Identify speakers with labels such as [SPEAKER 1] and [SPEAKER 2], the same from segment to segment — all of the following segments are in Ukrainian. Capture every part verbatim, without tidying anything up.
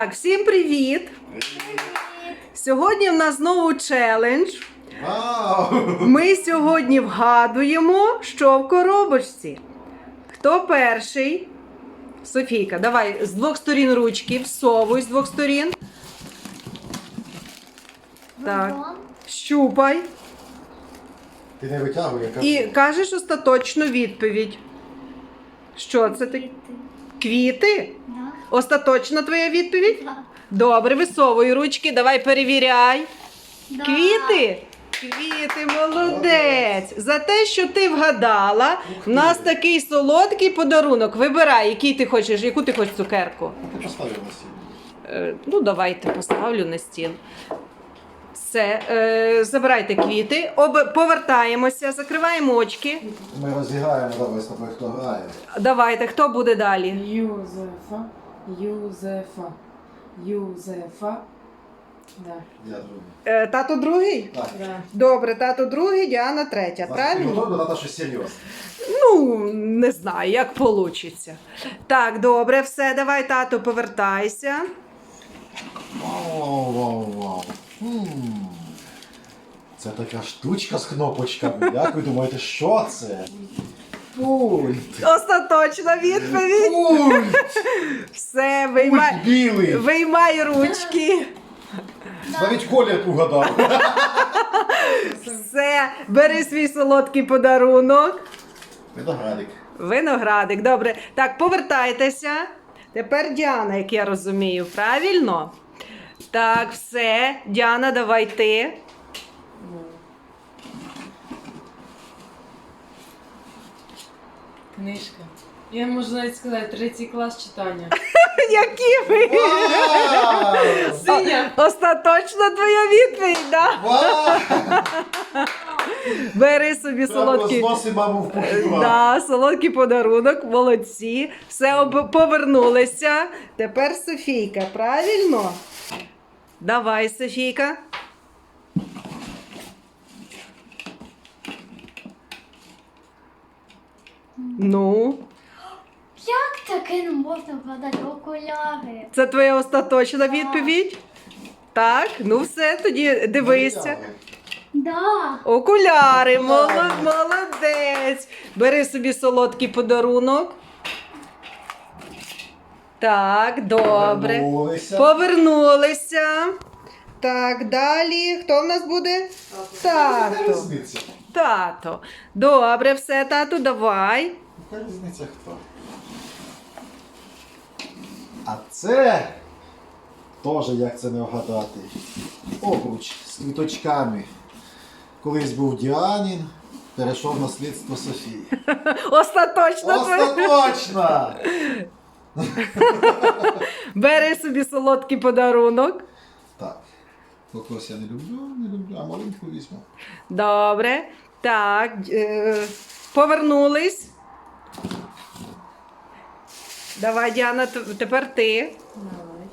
[SPEAKER 1] Так, всім привіт! Сьогодні в нас знову челендж.
[SPEAKER 2] Вау!
[SPEAKER 1] Ми сьогодні вгадуємо, що в коробочці. Хто перший? Софійка, давай з двох сторін ручки, всовуй з двох сторін. Так, щупай.
[SPEAKER 2] Ти не витягуй, яка.
[SPEAKER 1] І кажеш остаточну відповідь. Що це таке? Квіти?
[SPEAKER 3] Да.
[SPEAKER 1] Остаточна твоя відповідь?
[SPEAKER 3] Да.
[SPEAKER 1] Добре, висовуй ручки, давай перевіряй.
[SPEAKER 3] Да.
[SPEAKER 1] Квіти? Квіти, молодець! За те, що ти вгадала, в нас такий солодкий подарунок. Вибирай, який ти хочеш, яку ти хочеш цукерку.
[SPEAKER 2] Ти поставив на стіл.
[SPEAKER 1] Е, ну, давайте поставлю на стіл. Все, е, забирайте квіти, Об... повертаємося, закриваємо очки.
[SPEAKER 2] Ми розіграємо, давай з тобою, хто грає.
[SPEAKER 1] Давайте, хто буде далі?
[SPEAKER 4] Юзефа, Юзефа, Юзефа. Да.
[SPEAKER 2] Я другий.
[SPEAKER 1] Е, тато другий?
[SPEAKER 2] Так.
[SPEAKER 4] Да.
[SPEAKER 1] Добре, тато другий, Діана третя,
[SPEAKER 2] Ти
[SPEAKER 1] правильно?
[SPEAKER 2] готовий додати щось серйозне?
[SPEAKER 1] Ну, не знаю, як вийде. Так, добре, все, давай, тато, повертайся.
[SPEAKER 2] Вау, вау, вау. Хм. Це така штучка з кнопочками. Як ви думаєте, що це? Пульт.
[SPEAKER 1] Остаточна відповідь.
[SPEAKER 2] Пульт.
[SPEAKER 1] Все,
[SPEAKER 2] Пульт
[SPEAKER 1] виймай,
[SPEAKER 2] білий.
[SPEAKER 1] виймай ручки.
[SPEAKER 2] Навіть колір угадав.
[SPEAKER 1] Все, бери свій солодкий подарунок.
[SPEAKER 2] Виноградик.
[SPEAKER 1] Виноградик, добре. Так, повертайтеся. Тепер Діана, як я розумію, правильно? Так, все. Діана, давай ти.
[SPEAKER 4] Книжка. Я можу навіть сказати, третій клас читання.
[SPEAKER 1] Які ви?
[SPEAKER 2] Вау!
[SPEAKER 4] Синя.
[SPEAKER 1] Остаточна твоя відповідь, да?
[SPEAKER 2] Вау!
[SPEAKER 1] Бери собі
[SPEAKER 2] Прямо
[SPEAKER 1] солодкий.
[SPEAKER 2] розноси маму в пухівку.
[SPEAKER 1] Да, солодкий подарунок, молодці. Все об... повернулися. Тепер Софійка, правильно? Давай, Софійка. Ну,
[SPEAKER 3] Як таке не можна вгадати? Окуляри.
[SPEAKER 1] це твоя остаточна відповідь? Так, ну все, тоді дивися.
[SPEAKER 3] Да.
[SPEAKER 1] Окуляри, молод, молодець. Бери собі солодкий подарунок. Так, добре.
[SPEAKER 2] Повернулися.
[SPEAKER 1] Повернулися. Так, далі. Хто в нас буде?
[SPEAKER 2] Яка
[SPEAKER 1] Тато.
[SPEAKER 2] різниця?
[SPEAKER 1] Тато. Добре, все, тату, давай.
[SPEAKER 2] Яка різниця хто? А це теж як це не вгадати. Обруч з квіточками. Колись був Діанін, перейшов на слідство Софії.
[SPEAKER 1] Остаточно. твоє.
[SPEAKER 2] Остаточно!
[SPEAKER 1] Бери собі солодкий подарунок.
[SPEAKER 2] Так. Кокос я не люблю, не люблю, а маленьку візьму.
[SPEAKER 1] Добре. Так, е, повернулись. Давай, Діана, т- тепер ти.
[SPEAKER 4] Давай.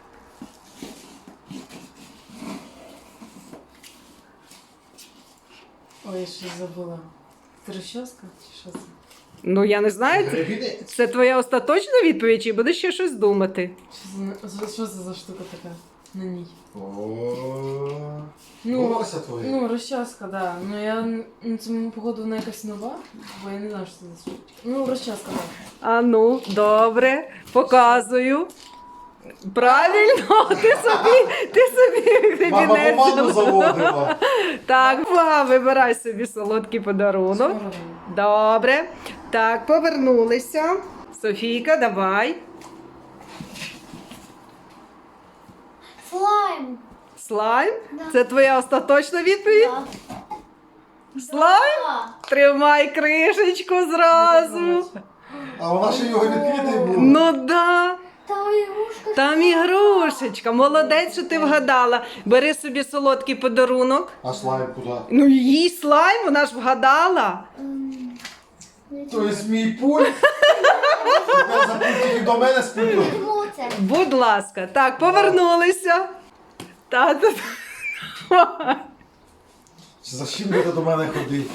[SPEAKER 4] Ой, я щось забула. Це розчоска чи що це?
[SPEAKER 1] Ну, я не знаю, це,
[SPEAKER 2] Гребінець.
[SPEAKER 1] це твоя остаточна відповідь, чи будеш ще щось думати?
[SPEAKER 4] Що це, що це за штука така на ній?
[SPEAKER 2] О,
[SPEAKER 4] Ну,
[SPEAKER 2] волосся твоє.
[SPEAKER 4] Ну, розчаска, да. Ну я ну, це походу вона якась нова, бо я не знаю, що це за штука. Ну, розчаска, так.
[SPEAKER 1] А ну, добре, показую. Правильно, ти собі, ти собі
[SPEAKER 2] Мама
[SPEAKER 1] гребінець
[SPEAKER 2] команду
[SPEAKER 1] зробила.
[SPEAKER 2] заводила.
[SPEAKER 1] Так, ва, вибирай собі солодкий подарунок.
[SPEAKER 4] Смородина.
[SPEAKER 1] Добре. Так, повернулися. Софійка, давай.
[SPEAKER 3] Слайм.
[SPEAKER 1] Слайм?
[SPEAKER 3] Да.
[SPEAKER 1] Це твоя остаточна відповідь?
[SPEAKER 3] Да.
[SPEAKER 1] Слайм?
[SPEAKER 3] Да.
[SPEAKER 1] Тримай кришечку зразу.
[SPEAKER 2] А вона ще його відкритий був.
[SPEAKER 1] Ну да.
[SPEAKER 3] Там ігрушка.
[SPEAKER 1] Там ігрушечка. Молодець, що ти вгадала. Бери собі солодкий подарунок.
[SPEAKER 2] А слайм куди?
[SPEAKER 1] Ну їй слайм, вона ж вгадала.
[SPEAKER 3] Ем,
[SPEAKER 2] То є мій пульт. Тепер запустити до мене з пультом.
[SPEAKER 3] Чому це?
[SPEAKER 1] Будь ласка. Так, повернулися. Тато.
[SPEAKER 2] За чим ти до мене ходив?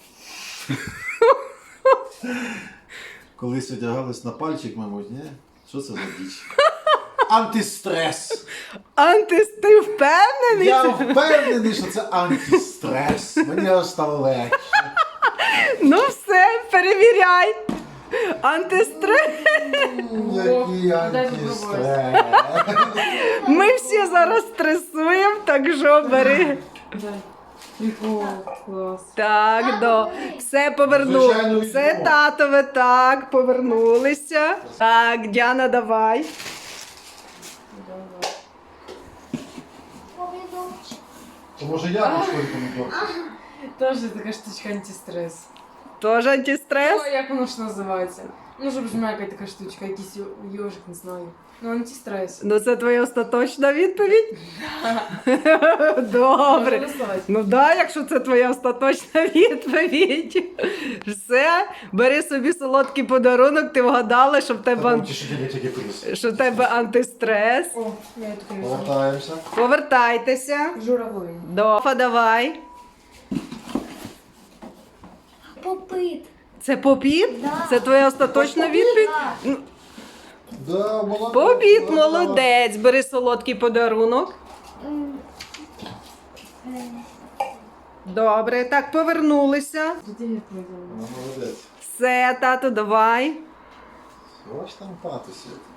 [SPEAKER 2] Колись одягались на пальчик, мабуть, ні? Що це за діч? Антистрес.
[SPEAKER 1] Антис, ти впевнений?
[SPEAKER 2] Я впевнений, що це антистрес. Мені аж стало легше.
[SPEAKER 1] Ну все, перевіряй. Антистрес.
[SPEAKER 2] Який
[SPEAKER 4] дай
[SPEAKER 2] антистрес.
[SPEAKER 1] Ми всі зараз стресуємо, так що бери.
[SPEAKER 4] Дай. О, клас.
[SPEAKER 1] Так, до. Все повернули.
[SPEAKER 2] Звичайно,
[SPEAKER 1] Це
[SPEAKER 2] візьму.
[SPEAKER 1] татове, так, повернулися. Так, Діана, давай.
[SPEAKER 4] Давай.
[SPEAKER 3] Помідорчик.
[SPEAKER 2] То може я пішов помідор?
[SPEAKER 4] Тоже така штучка антистрес.
[SPEAKER 1] Тоже антистрес?
[SPEAKER 4] О, як воно ж називається? Ну, щоб жмякать така штучка, якийсь йо- йожик, не знаю. Ну, антистрес.
[SPEAKER 1] Ну, це твоя остаточна відповідь?
[SPEAKER 4] Можна
[SPEAKER 1] Добре.
[SPEAKER 4] доставати?
[SPEAKER 1] Ну да, якщо це твоя остаточна відповідь. Все, бери собі солодкий подарунок, ти вгадала, що в тебе, ан-
[SPEAKER 2] Що тобі тільки приз.
[SPEAKER 1] що в тебе антистрес.
[SPEAKER 4] О, я тут візьму.
[SPEAKER 2] Повертаємося.
[SPEAKER 1] Повертайтеся.
[SPEAKER 4] Журавлин.
[SPEAKER 1] Дофа, давай.
[SPEAKER 3] Попит.
[SPEAKER 1] Це попіт?
[SPEAKER 3] Да.
[SPEAKER 1] Це твоя остаточна відповідь?
[SPEAKER 3] Так.
[SPEAKER 2] Да, молодець.
[SPEAKER 1] Попіт,
[SPEAKER 2] Да,
[SPEAKER 1] молодець. Бери солодкий подарунок.
[SPEAKER 3] М. Е,
[SPEAKER 1] Добре, так, повернулися.
[SPEAKER 4] Тут я відповідала.
[SPEAKER 2] Ну, молодець.
[SPEAKER 1] Все, тату, давай.
[SPEAKER 2] Ось там тато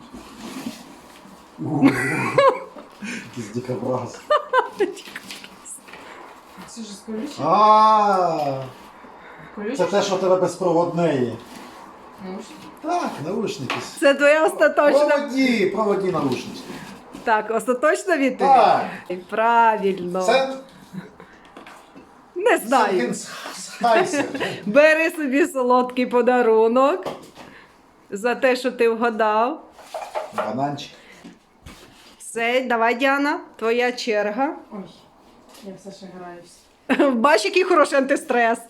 [SPEAKER 2] сидить. Якийсь дикобраз.
[SPEAKER 4] Це ж з колючим?
[SPEAKER 2] А, це
[SPEAKER 4] Колючим?
[SPEAKER 2] те, що в тебе безпроводне є.
[SPEAKER 4] Ну, ж.
[SPEAKER 2] Так, наушники.
[SPEAKER 1] Це твоя остаточна.
[SPEAKER 2] Проводі, проводі наушники.
[SPEAKER 1] Так, остаточна відповідь?
[SPEAKER 2] Так.
[SPEAKER 1] Правильно.
[SPEAKER 2] Це
[SPEAKER 1] Не знаю.
[SPEAKER 2] сенсайсер.
[SPEAKER 1] Бери собі солодкий подарунок за те, що ти вгадав.
[SPEAKER 2] Бананчик.
[SPEAKER 1] Все, давай, Діана, твоя черга.
[SPEAKER 4] Ой, я все ще граюсь.
[SPEAKER 1] Бач, який хороший антистрес.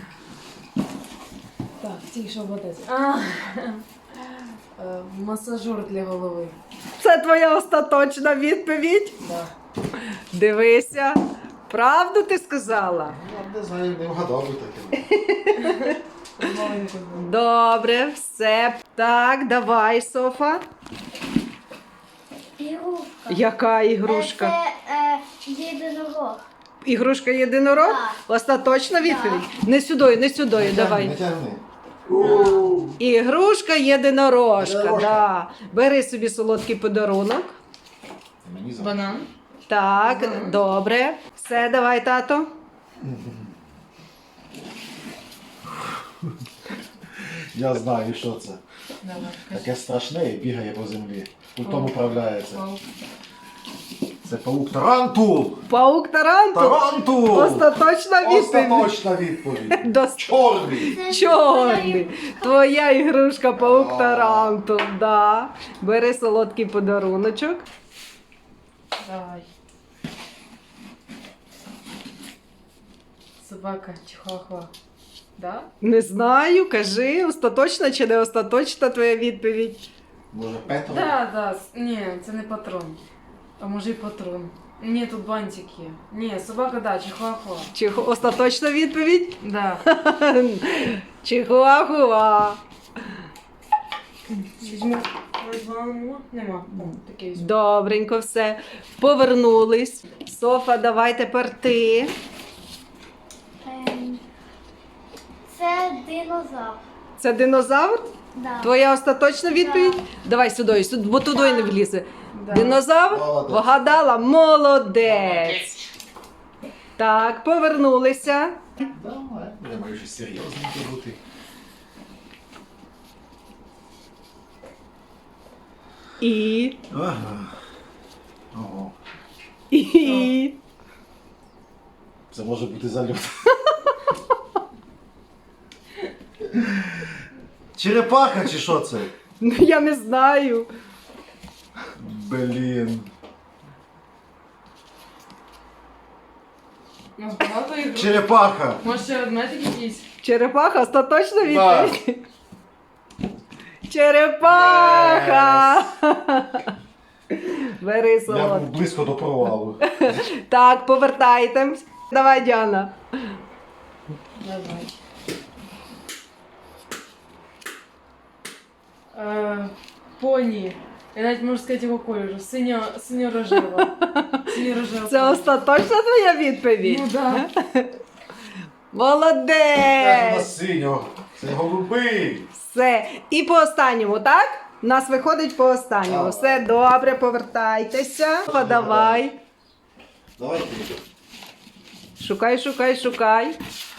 [SPEAKER 4] Так, тільки що вода. А, Е, масажер для голови.
[SPEAKER 1] Це твоя остаточна відповідь.
[SPEAKER 4] Да.
[SPEAKER 1] Дивися. Правду ти сказала?
[SPEAKER 2] Я не знаю, не вгадав би таке.
[SPEAKER 4] Маленьку.
[SPEAKER 1] Добре, все. Так, давай, Софа.
[SPEAKER 3] Ігрушка.
[SPEAKER 1] Яка
[SPEAKER 3] Е,
[SPEAKER 1] ігрушка?
[SPEAKER 3] Це е, єдинорог.
[SPEAKER 1] Ігрушка єдинорог?
[SPEAKER 3] Так.
[SPEAKER 1] Остаточна відповідь? Не сюди, не сюди,
[SPEAKER 2] Не
[SPEAKER 1] давай.
[SPEAKER 2] тягни.
[SPEAKER 1] Ігрушка єдинорожка,
[SPEAKER 2] Єдинорожка.
[SPEAKER 1] да. Бери собі солодкий подарунок.
[SPEAKER 2] Мені за.
[SPEAKER 4] Банан.
[SPEAKER 1] Так,
[SPEAKER 4] Ага.
[SPEAKER 1] добре. Все, давай, тато.
[SPEAKER 2] Я знаю, що це.
[SPEAKER 4] Давай.
[SPEAKER 2] Таке страшне і бігає по землі. Пультом управляється.
[SPEAKER 4] Вау.
[SPEAKER 2] Це паук Тарантул!
[SPEAKER 1] Паук Тарантул.
[SPEAKER 2] Тарантул!
[SPEAKER 1] Остаточна відповідь.
[SPEAKER 2] Остаточна відповідь.
[SPEAKER 1] До
[SPEAKER 2] Чорний!
[SPEAKER 3] Це
[SPEAKER 1] чорний. Твоя ігрушка паук
[SPEAKER 2] А.
[SPEAKER 1] Тарантул, да. Бери солодкий подаруночок.
[SPEAKER 4] Давай. Собака чихуахуа. Да?
[SPEAKER 1] Не знаю, кажи, остаточна чи не остаточна твоя відповідь.
[SPEAKER 2] Може Петро?
[SPEAKER 4] Да, да. с- Ні, це не патрон. А може і патрон. Ні, тут бантик є. Ні, собака, да, чихуахуа.
[SPEAKER 1] Чи остаточна відповідь?
[SPEAKER 4] Да.
[SPEAKER 1] Чихуахуа.
[SPEAKER 4] Візьму. Возьму. Нема. О, таке візьму.
[SPEAKER 1] Добренько, все. Повернулись. Софа, давай тепер ти.
[SPEAKER 3] Ем, Це динозавр.
[SPEAKER 1] Це динозавр?
[SPEAKER 3] Да.
[SPEAKER 1] Твоя остаточна відповідь?
[SPEAKER 3] Так.
[SPEAKER 1] давай сюди, сюди, бо туди не влізе.
[SPEAKER 4] Да.
[SPEAKER 1] Динозавр?
[SPEAKER 2] Молодець.
[SPEAKER 1] Вгадала? Молодець. Так, повернулися.
[SPEAKER 2] Давай. Я маю щось серйозненьке бути.
[SPEAKER 1] І.
[SPEAKER 2] Ага. Ого.
[SPEAKER 1] І.
[SPEAKER 2] Це може бути зальот. Черепаха чи що це?
[SPEAKER 1] Ну, я не знаю.
[SPEAKER 2] Блін.
[SPEAKER 4] У нас багато ігор.
[SPEAKER 2] Черепаха.
[SPEAKER 4] Може ще ведмедик якийсь?
[SPEAKER 1] Черепаха, остаточна відповідь? Черепаха! Бери
[SPEAKER 2] Я був
[SPEAKER 1] солодкий.
[SPEAKER 2] близько до провалу.
[SPEAKER 1] Так, повертайтесь. Давай, Діана.
[SPEAKER 4] Давай. Е, поні. Я навіть можу сказати його кольору. Синьо, синьо-рожева. Синьо-рожева.
[SPEAKER 1] Це остаточна твоя відповідь?
[SPEAKER 4] Ну да.
[SPEAKER 2] Це ж у
[SPEAKER 1] Молодець!
[SPEAKER 2] нас синього. Це голубий.
[SPEAKER 1] Все. І по останньому, так? У нас виходить по останньому.
[SPEAKER 2] Давай.
[SPEAKER 1] Все добре, повертайтеся. Подавай.
[SPEAKER 2] Давай ти.
[SPEAKER 1] Шукай, шукай, шукай.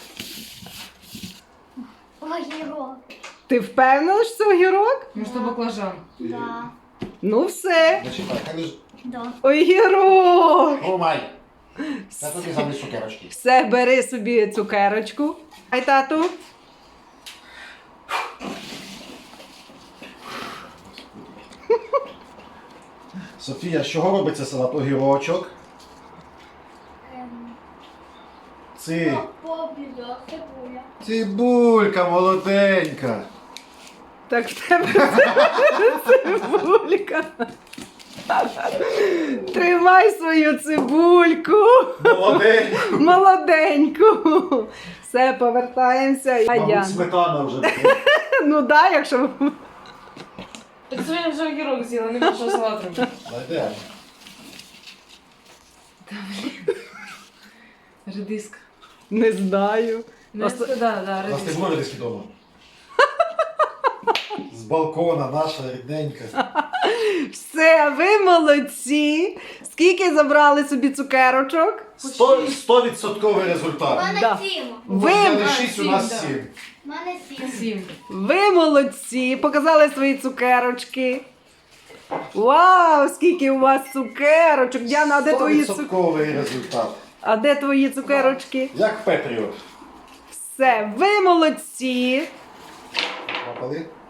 [SPEAKER 3] Огірок.
[SPEAKER 1] Ти впевнена, що це огірок?
[SPEAKER 4] Може, то баклажан.
[SPEAKER 3] Да.
[SPEAKER 1] Ну все.
[SPEAKER 2] Зачекай, хай лежить.
[SPEAKER 3] Да.
[SPEAKER 1] Огірок!
[SPEAKER 2] Ромай. Я тобі замість цукерочки.
[SPEAKER 1] Все, бери собі цукерочку. Ай, тату.
[SPEAKER 2] Софія, з чого робиться салат? Огірочок.
[SPEAKER 3] Ем,
[SPEAKER 2] Ци.
[SPEAKER 3] Побіда, цибуля.
[SPEAKER 2] Цибулька молоденька.
[SPEAKER 1] Так в тебе цибулька. Тримай свою цибульку.
[SPEAKER 2] Молоденька.
[SPEAKER 1] Молоденьку. Все, повертаємося. А я.
[SPEAKER 2] Мабуть, сметана вже.
[SPEAKER 1] Ну да, якщо.
[SPEAKER 4] Так це я вже огірок з'їла, не можу салат робити.
[SPEAKER 2] Знайдемо.
[SPEAKER 4] Редиска.
[SPEAKER 1] Не знаю.
[SPEAKER 4] Ну,
[SPEAKER 1] Оста-
[SPEAKER 4] це, да, да,
[SPEAKER 2] У нас не
[SPEAKER 4] редиска.
[SPEAKER 2] було редиски вдома. З балкона наша рідненька.
[SPEAKER 1] Все, ви молодці. Скільки забрали собі цукерочок?
[SPEAKER 2] Сто- Стовідсотковий
[SPEAKER 3] У
[SPEAKER 2] результат.
[SPEAKER 3] мене
[SPEAKER 1] Да.
[SPEAKER 3] сім.
[SPEAKER 1] Ви,
[SPEAKER 2] Взяли
[SPEAKER 4] А,
[SPEAKER 2] шість, у
[SPEAKER 4] сім,
[SPEAKER 2] нас
[SPEAKER 4] да.
[SPEAKER 2] сім.
[SPEAKER 3] У мене сім.
[SPEAKER 4] Сім.
[SPEAKER 1] ви молодці. Показали свої цукерочки. Вау, скільки у вас цукерочок. Діана, а де твої цукерочки?
[SPEAKER 2] Стовідсотковий результат.
[SPEAKER 1] А де твої цукерочки?
[SPEAKER 2] Як Петріо.
[SPEAKER 1] Все, ви молодці.
[SPEAKER 2] Напали?